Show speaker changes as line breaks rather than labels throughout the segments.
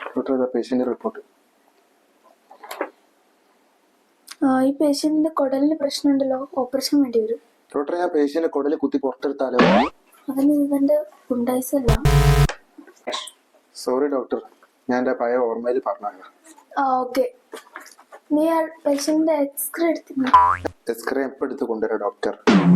Doctor patient report.
ഈ പേഷ്യന്റിന്റെ കുടലിന് പ്രശ്നമുണ്ടല്ലോ, operation വേണ്ടി വരും.
ഡോക്ടർ, ഞാൻ പേഷ്യന്റ് കുടല് കുത്തി പുറത്തെടുത്താലോ?
അതിന് ഇവന്റെ ഉണ്ടായിസല്ല.
സോറി ഡോക്ടർ, ഞാൻ എന്റെ പഴയ ഓർമ്മയിൽ പറഞ്ഞു.
ഓക്കെ. നീ ആ പേഷ്യന്റിന്റെ എക്സ്റേ എടുത്തിരുന്നു?
എക്സ്റേ എപ്പോൾ എടുത്ത് കൊണ്ടുവരാം ഡോക്ടർ?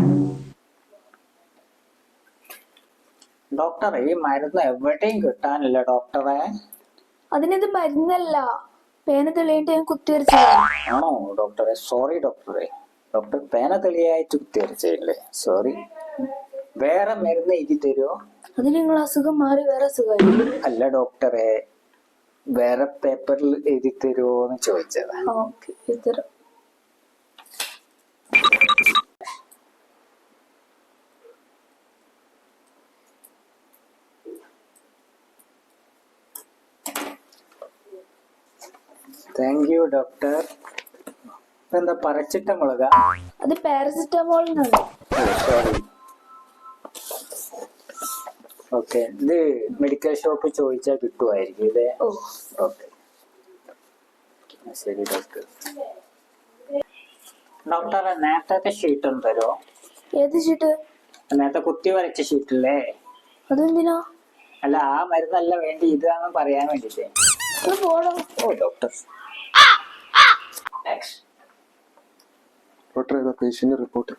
ഡോക്ടറെ, ഈ മരുന്ന് എവിടെയും കിട്ടാനില്ല ഡോക്ടറെ.
അതിനിത് മരുന്നല്ല, പേന തെളിയിട്ട് ഞാൻ കുത്തിവരച്ചതാണ്.
ആണോ ഡോക്ടറെ? സോറി ഡോക്ടറെ. ഡോക്ടർ പേന തെളിയായിട്ട് കുത്തിവരച്ചല്ലേ? സോറി. വേറെ മരുന്ന് എഴുതി തരുമോ?
അത് നിങ്ങൾ അസുഖം മാറി വേറെ അസുഖമായി.
അല്ല ഡോക്ടറെ, വേറെ പേപ്പറിൽ എഴുതി തരുമോ എന്ന് ചോദിച്ചതാ.
ഓക്കെ, ഇതരം.
Thank you doctor. എന്താ പരച്ചിട്ട മുളക?
അത് പാരസിറ്റമോളിനാണ്.
സോറി. ഓക്കെ, ഇത് മെഡിക്കൽ ഷോപ്പ് ചോദിച്ചാൽ കിട്ടുമായിരിക്കും ഇല്ലേ?
ഓ,
ഓക്കെ. ശരി ഡോക്ടർ. ഡോക്ടറെ, നേരത്തെ ഷീറ്റ് ഒന്ന് തരുമോ?
ഏത് ഷീട്ട്?
നേരത്തെ കുത്തി വരച്ച ഷീറ്റില്ലേ?
അതെന്തിനാ?
അല്ല, ആ മരുന്നല്ല വേണ്ടി ഇതാന്ന് പറയാൻ വേണ്ടിട്ടേ.
പോടോ.
ഓ ഡോക്ടർ.
Doctor, patient report.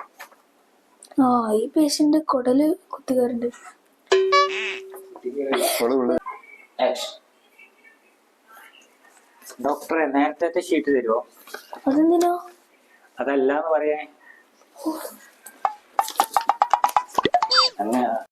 ഈ പേഷ്യന്റ് കുടല് കുത്തിക്കാറുണ്ട്.
ഡോക്ടറെ, നേരത്തെ ഷീറ്റ് തരുമോ?
അതെന്തിനാ?
അതല്ലാന്ന് പറയാൻ. അങ്ങനെ